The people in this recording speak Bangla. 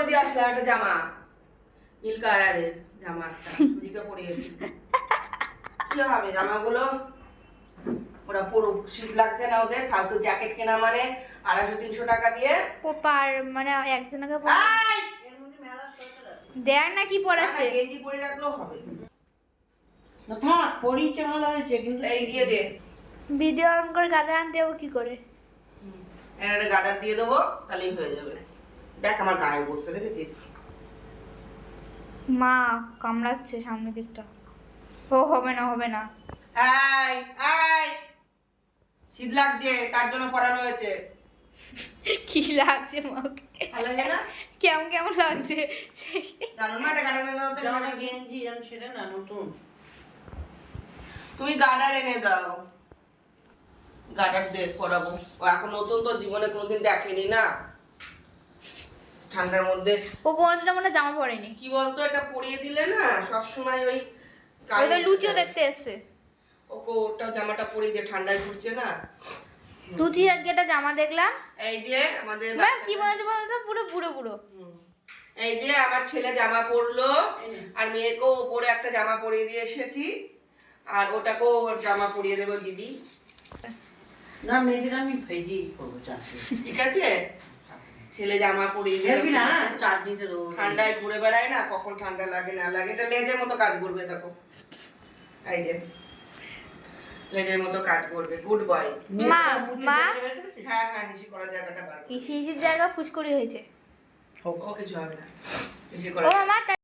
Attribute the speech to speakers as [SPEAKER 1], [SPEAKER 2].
[SPEAKER 1] দিয়ে আসলাম একটা জামা, নীল কালারের জামা একটা সুজিকে পরিয়েছি। কি হবে জামাগুলো? ওরা পুরো শীত লাগছে না ওদের, ফালতু জ্যাকেট কেনা মানে 250-300 টাকা দিয়ে।
[SPEAKER 2] পার মানে একজনকে
[SPEAKER 1] এর মধ্যে মেলা সোয়েটার আছে।
[SPEAKER 2] দেয়ার না কি পরাচ্ছে?
[SPEAKER 1] গেঞ্জি পরে রাখলেও হবে।
[SPEAKER 3] না থাক, পরিচয় ভালো হয়েছে কিন্তু
[SPEAKER 1] এই দিয়ে দে,
[SPEAKER 2] ভিডিও অন করে গাড়ি আনতে যাবো কি করে?
[SPEAKER 1] একটা গার্ডার দিয়ে দেবো, তাহলেই হয়ে যাবে। দেখ আমার গায়ে বসে, দেখেছিস?
[SPEAKER 2] মা কামড়াচ্ছে সামনের দিকটা। ও হবে না হবে না।
[SPEAKER 1] এই এই শীত লাগছে তার জন্য পড়ানো হয়েছে।
[SPEAKER 2] কি লাগছে মাকে?
[SPEAKER 1] ভালো লাগে না?
[SPEAKER 2] কেমন কেমন লাগছে?
[SPEAKER 1] দারুণ না? এটা গার্ডার এনে দাও তো।
[SPEAKER 3] জামাটা গেঞ্জি জান সেটা না নতুন।
[SPEAKER 1] তুমি গার্ডার এনে দাও, গার্ডার দিয়ে পরাবো। ও এখন নতুন তো, জীবনে কোনোদিন দেখেনি না ঠান্ডার মধ্যে।
[SPEAKER 2] ও কোনোদিনও মনে হয় জামা পরেনি।
[SPEAKER 1] কি বলতো, এটা পরিয়ে দিলে না সবসময় ওই
[SPEAKER 2] ওই তো লুচিও দেখতে এসছে।
[SPEAKER 1] ওকে ওটা জামাটা পরিয়ে দিয়ে, ঠান্ডায় ঘুরছে না।
[SPEAKER 2] লুচির আজকে একটা জামা দেখলাম,
[SPEAKER 1] এই যে আমাদের
[SPEAKER 2] ম্যাম কি বলেছে বলতো, পুরো বুড়ো বুড়ো।
[SPEAKER 1] এই যে আমার ছেলে জামা পরলো, আর মেয়েকেও ওপরে একটা জামা পরিয়ে দিয়ে এসেছি, আর ওটাকেও জামা পরিয়ে দেবো দিদি।
[SPEAKER 3] না মেয়েদের আমি ভেজেই করবো চাটনি।
[SPEAKER 1] ঠিক আছে, ছেলে জামা পরিয়ে দিয়ে
[SPEAKER 3] দেখবি না চাটনিতে দেবো।
[SPEAKER 1] ঠান্ডায় ঘুরে বেড়ায় না, কখন ঠান্ডা লাগে না লাগে। এটা লেজের মতো কাজ করবে, দেখো এই যে লেজের মতো কাজ করবে। Good boy.
[SPEAKER 2] মা মা
[SPEAKER 1] হ্যাঁ হ্যাঁ, হিসি করার জায়গাটা বার করবে।
[SPEAKER 2] ইসিজির জায়গা ফুসকরি হয়েছে।
[SPEAKER 1] ও কিছু হবে না, হিসি
[SPEAKER 2] ও
[SPEAKER 1] করার
[SPEAKER 2] মামা